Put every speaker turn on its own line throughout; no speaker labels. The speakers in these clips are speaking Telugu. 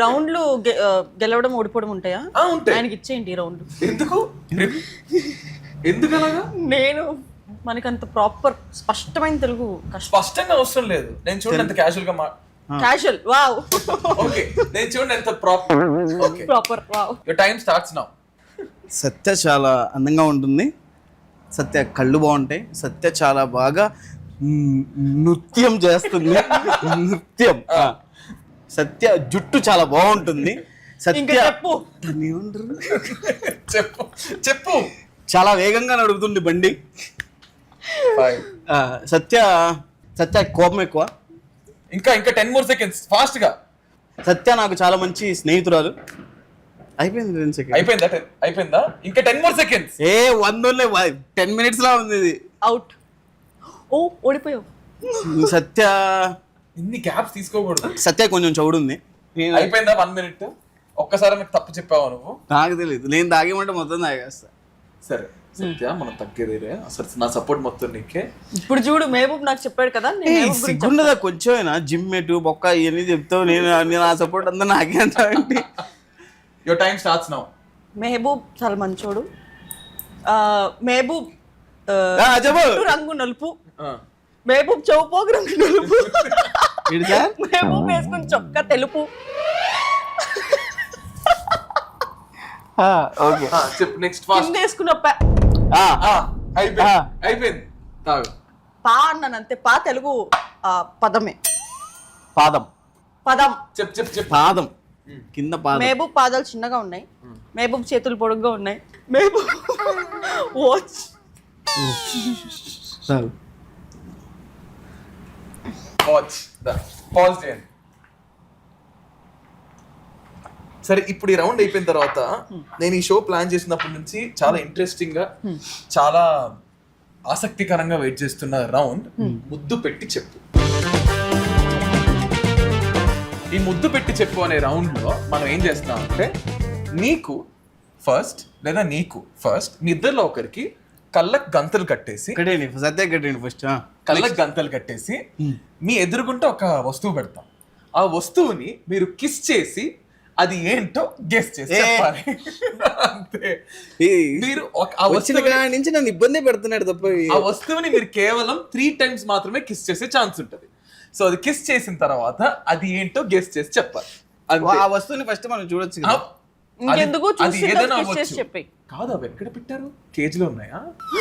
రౌండ్లు గెలవడం ఓడిపోవడం ఉంటాయా?
ఉంటాయి.
ఆయనకి ఇచ్చేయండి ఈ రౌండ్.
ఎందుకు అలాగా?
నేను మనకంత ప్రాపర్ స్పష్టమైన తెలుగు
స్పష్టంగా అవసరం లేదు. నేను చూడండి ఎంత క్యాజువల్ గా
క్యాజువల్. వావ్.
ఓకే, నేను చూడండి ఎంత proper. Okay,
proper. Wow.
Your time starts now.
Satya చాలా అందంగా ఉంటుంది. సత్య కళ్ళు బాగుంటాయి. సత్య చాలా బాగా నృత్యం చేస్తుంది. నృత్యం. సత్య జుట్టు చాలా బాగుంటుంది. సత్య
చెప్పు.
చెప్పు చెప్పు.
చాలా వేగంగా నడుపుతుంది బండి. సత్య సత్య కోపం ఎక్కువ.
ఇంకా 10 more seconds ఫాస్ట్ గా.
సత్య నాకు చాలా మంచి స్నేహితురాలు. అయిపోయింది 10 seconds.
అయిపోయిందా? ఇంకా 10 more seconds.
10 minutes లా ఉంది ఇది.
అవుట్. ఓ ఓడిపోయావు.
సత్య
ఇన్ని గ్యాప్స్ తీసుకోకూడదు.
సత్య కొంచెం చౌడుంది.
అయిపోయిందా 1 minute? ఒక్కసారి నాకు తప్పు చెప్పావా నువ్వు?
నాకు తెలియదు. నేను తాగేమంటే మొత్తం తాగేస్తా.
సరే సత్య, మనం తగ్గేదేరే. అసలు నా సపోర్ట్ మొత్తం నీకే.
ఇప్పుడు చూడు, మహబూబ్ నాకు చెప్పాడు కదా.
సిగ్గుండదా కొంచెమైనా? జిమ్ మెటు బొక్క ఇవన్నీ చెప్తావు. నేను ఆ సపోర్ట్ అంతా నాకే అంతా.
Your time starts now.
Mahboob చాలా మంచోడు. మహబూబ్ రంగు నలుపు. మహబూబ్ చౌపోగు రంగు నలుపు. మహబూబ్ వేసుకుని చొక్కా తెలుపు.
ఓకే, చెప్పు నెక్స్ట్. ఫాస్ట్
వేసుకున్న
అయిపోయింది. తాగు.
పా అన్నాను అంతే. పా తెలుగు పదమే.
పాదం.
పదం.
చెప్పు.
పాదం కింద పాదం.
మహబూబ్ పాదాలు చిన్నగా ఉన్నాయి. మహబూబ్ చేతులు పొడుగ్గా ఉన్నాయి. మహబూబ్ వాచ్.
పాజ్ చేయండి. సరే, ఇప్పుడు ఈ రౌండ్ అయిపోయిన తర్వాత నేను ఈ షో ప్లాన్ చేసినప్పటి నుంచి చాలా ఇంట్రెస్టింగ్ గా, చాలా ఆసక్తికరంగా వెయిట్ చేస్తున్న రౌండ్ ముద్దు పెట్టి చెప్పు. ఈ ముద్దు పెట్టి చెప్పు అనే రౌండ్ లో మనం ఏం చేస్తాం అంటే, నీకు ఫస్ట్ లేదా నీకు ఫస్ట్, మీ ఇద్దరిలో ఒకరికి కళ్ళకు గంతలు కట్టేసి,
సత్య కట్టండి ఫస్ట్.
కళ్ళకు గంతలు కట్టేసి మీ ఎదురుగుంటే ఒక వస్తువు పెడతాం. ఆ వస్తువుని మీరు కిస్ చేసి అది ఏంటో గెస్ చేసి చెప్పాలి. అంతే. మీరు
నుంచి నన్ను ఇబ్బంది పెడుతున్నాడు తప్ప.
ఆ వస్తువుని మీరు కేవలం 3 times మాత్రమే కిస్ చేసే ఛాన్స్ ఉంటుంది. సో అది కిస్ చేసిన తర్వాత అది ఏంటో గెస్ చేసి చెప్పాలి.
ఆ వస్తువుని ఫస్ట్ మనం చూడొచ్చు.
ఇంకెందుకు
అది ఏదైనా
చెప్పి.
కాదు, అవి ఎక్కడ పెట్టారు? కేజ్ లో ఉన్నాయా?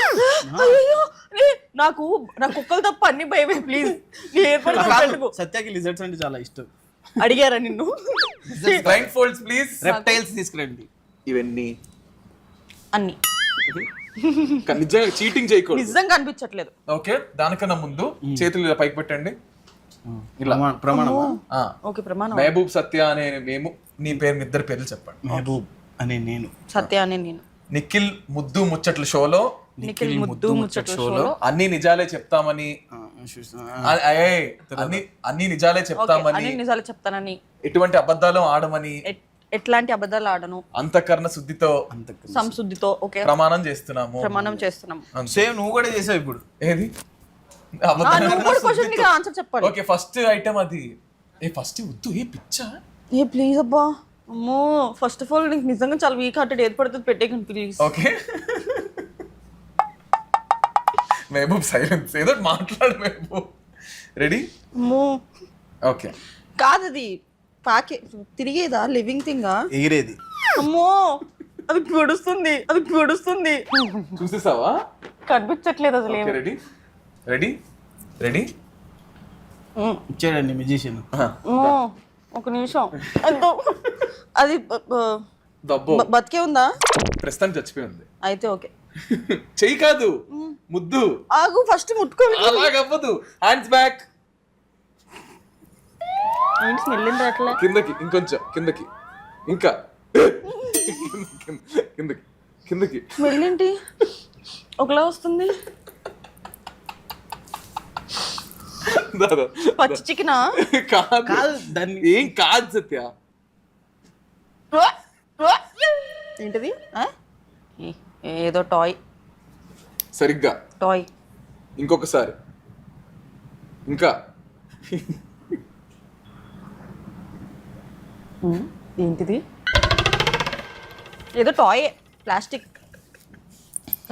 నాకు కుక్కలు తప్ప అన్ని భయమే. ప్లీజ్.
సత్యకి లిజర్డ్స్ అంటే చాలా ఇష్టం.
అడిగారా నిన్ను?
Blind folds please.
రెప్టైల్స్ తీసుకురండి.
ఇవన్నీ
అన్ని
నిజంగా చీటింగ్ చేయకూడదు.
నిజంగా అనిపించట్లేదు.
ఓకే, దానికన్నా ముందు చేతులు ఇలా పైకి పెట్టండి. మహబూబ్ సత్య అనే మేము, నీ పేరు, మీ ఇద్దరు పేర్లు చెప్పండి.
మహబూబ్ అనే నేను,
సత్య అనే నేను.
నిఖిల్ ముద్దు ముచ్చట్ల షోలో అన్ని నిజాలే చెప్తామని, అన్ని నిజాలే
చెప్తానని,
ఎటువంటి అబద్ధాలు ఆడమని,
ఎట్లాంటి అబద్ధాలు ఆడను,
అంతఃకరణ శుద్ధితో,
సంశుద్ధితో
ప్రమాణం చేస్తున్నాము.
సేమ్ నువ్వు కూడా చేసావు ఇప్పుడు.
ఏది?
ఆన్సర్ చెప్పాలి.
ఓకే, ఫస్ట్ ఐటమ్ అది. ఫస్ట్ వద్దు. పిచ్చా?
ప్లీజ్ అబ్బా. అమ్మో, ఫస్ట్ ఆఫ్ ఆల్ నీకు నిజంగా చాలా వీక్ హార్టెడ్. ఏది పడుతుంది పెట్టేకండి ప్లీజ్.
Okay, Mahboob silence. ఏదో మాట్లాడు మహబూబ్. రెడీ? ఓకే.
కాదు, అది పాకే తిరిగేదా? లివింగ్ థింగా?
ఎగిరేది.
అమ్మో, అది పొడుస్తుంది.
చూసేసావా?
కనిపించట్లేదు అసలు.
రెడీ?
ఇచ్చాడండి మ్యూజిషియన్.
ఒక నిమిషం. అది బతికే ఉందా?
ప్రస్తుతం చచ్చిపోయి ఉంది.
అయితే ఓకే.
చెయ్యి కాదు, ముద్దు.
ఆగు, ఫస్ట్ ముట్టుకోవాలి.
అలాగవ్వదు. Hands back.
స్మెల్ అట్లా.
కిందకి, ఇంకొంచెం కిందకి, ఇంకా కిందకి.
స్మెల్ ఏంటి ఒకలా వస్తుంది? పచ్చి చికెనా?
కాదు, దాన్ని ఏం కాదు సత్య.
ఏంటిది? ఏదో టాయ్.
సరిగ్గా
టాయ్.
ఇంకొకసారి. ఇంకా
ఏంటిది? ఏదో టాయ్, ప్లాస్టిక్.